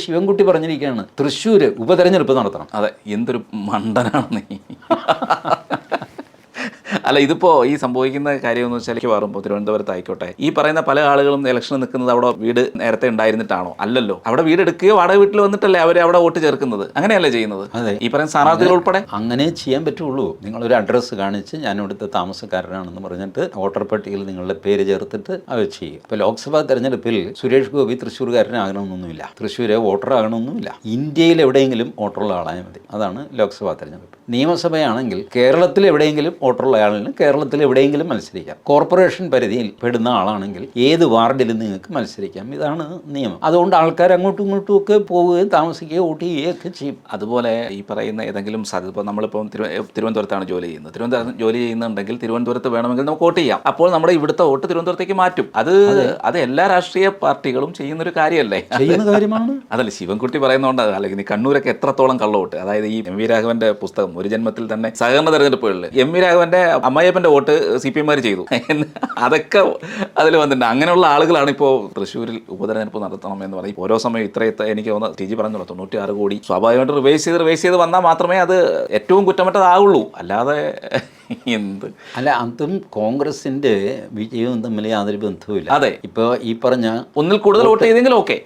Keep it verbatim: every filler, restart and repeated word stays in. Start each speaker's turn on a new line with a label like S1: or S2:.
S1: ശിവൻകുട്ടി പറഞ്ഞിരിക്കുകയാണ് തൃശ്ശൂർ ഉപതെരഞ്ഞെടുപ്പ് നടത്തണം.
S2: അതെ, എന്തൊരു മണ്ടനാണ് നീ. അല്ല, ഇതിപ്പോൾ ഈ സംഭവിക്കുന്ന കാര്യമെന്ന് വെച്ചാൽ മാറുമ്പോൾ തിരുവനന്തപുരത്ത് ആയിക്കോട്ടെ, ഈ പറയുന്ന പല ആളുകളും ഇലക്ഷന് നിൽക്കുന്നത് അവിടെ വീട് നേരത്തെ ഉണ്ടായിരുന്നിട്ടാണോ? അല്ലല്ലോ, അവിടെ വീട് എടുക്കുകയോ വാടക വീട്ടിൽ വന്നിട്ടല്ലേ അവർ അവിടെ വോട്ട് ചേർക്കുന്നത്. അങ്ങനെയല്ലേ ചെയ്യുന്നത്?
S1: അതെ,
S2: ഈ പറയുന്ന സ്ഥാനാർത്ഥികൾ ഉൾപ്പെടെ
S1: അങ്ങനെ ചെയ്യാൻ പറ്റുള്ളൂ. നിങ്ങളൊരു അഡ്രസ്സ് കാണിച്ച് ഞാൻ ഇവിടുത്തെ താമസക്കാരനാണെന്ന് പറഞ്ഞിട്ട് വോട്ടർ പട്ടികയിൽ നിങ്ങളുടെ പേര് ചേർത്തിട്ട് അത് ചെയ്യും. ഇപ്പോൾ ലോക്സഭാ തെരഞ്ഞെടുപ്പിൽ സുരേഷ് ഗോപി തൃശ്ശൂർകാരനാകണമെന്നൊന്നുമില്ല, തൃശ്ശൂരെ വോട്ടർ ആകണമെന്നുമില്ല. ഇന്ത്യയിൽ എവിടെയെങ്കിലും വോട്ടറുള്ള ആളായാൽ മതി. അതാണ് ലോക്സഭാ തെരഞ്ഞെടുപ്പ്. നിയമസഭയാണെങ്കിൽ കേരളത്തിൽ എവിടെയെങ്കിലും വോട്ടറുള്ള ആളിന് കേരളത്തിൽ എവിടെയെങ്കിലും മത്സരിക്കാം. കോർപ്പറേഷൻ പരിധിയിൽ പെടുന്ന ആളാണെങ്കിൽ ഏത് വാർഡിലും നിങ്ങൾക്ക് മത്സരിക്കാം. ഇതാണ് നിയമം. അതുകൊണ്ട് ആൾക്കാർ അങ്ങോട്ടും ഇങ്ങോട്ടും ഒക്കെ പോവുകയും താമസിക്കുകയോ വോട്ട് ചെയ്യുകയോ ഒക്കെ ചെയ്യും.
S2: അതുപോലെ ഈ പറയുന്ന ഏതെങ്കിലും സാധ്യത, ഇപ്പോൾ നമ്മളിപ്പോൾ തിരുവനന്തപുരത്താണ് ജോലി ചെയ്യുന്നത്, തിരുവനന്തപുരം ജോലി ചെയ്യുന്നുണ്ടെങ്കിൽ തിരുവനന്തപുരത്ത് വേണമെങ്കിൽ നമുക്ക് വോട്ട് ചെയ്യാം. അപ്പോൾ നമ്മുടെ ഇവിടുത്തെ വോട്ട് തിരുവനന്തപുരത്തേക്ക് മാറ്റും. അത് അത് എല്ലാ രാഷ്ട്രീയ പാർട്ടികളും ചെയ്യുന്നൊരു കാര്യമല്ലേ?
S1: ചെയ്യുന്ന കാര്യമാണ്.
S2: അതല്ല ശിവൻകുട്ടി പറയുന്നതുകൊണ്ട്, അല്ലെങ്കിൽ കണ്ണൂരൊക്കെ എത്രത്തോളം കള്ളവോട്ട്. അതായത് ഈ എം വി രാഘവന്റെ പുസ്തകം ഒരു ജന്മത്തിൽ തന്നെ സഹകരണ തെരഞ്ഞെടുപ്പുകളിൽ എം വി രാഘവന്റെ അമ്മായിയപ്പന്റെ വോട്ട് സി പി എംമാർ ചെയ്തു, അതൊക്കെ അതിൽ വന്നിട്ടുണ്ട്. അങ്ങനെയുള്ള ആളുകളാണ് ഇപ്പോൾ തൃശ്ശൂരിൽ ഉപതെരഞ്ഞെടുപ്പ് നടത്തണം എന്ന് പറയും. ഓരോ സമയം ഇത്ര ഇത്ര എനിക്ക് തോന്നുന്നു ടി ജി പറഞ്ഞല്ലോ തൊണ്ണൂറ്റി ആറ് കോടി സ്വാഭാവികമായിട്ട് റിവേഴ്സ് ചെയ്ത് റിവേഴ്സ് ചെയ്ത് വന്നാൽ മാത്രമേ അത് ഏറ്റവും കുറ്റമറ്റതാവുള്ളൂ. അല്ലാതെ എന്ത്
S1: അല്ല, അതും കോൺഗ്രസിന്റെ വിജയവും തമ്മിൽ യാതൊരു ബന്ധവുമില്ല.
S2: അതെ,
S1: ഇപ്പൊ ഈ പറഞ്ഞ
S2: ഒന്നിൽ കൂടുതൽ വോട്ട് ചെയ്തെങ്കിൽ ഓക്കെ,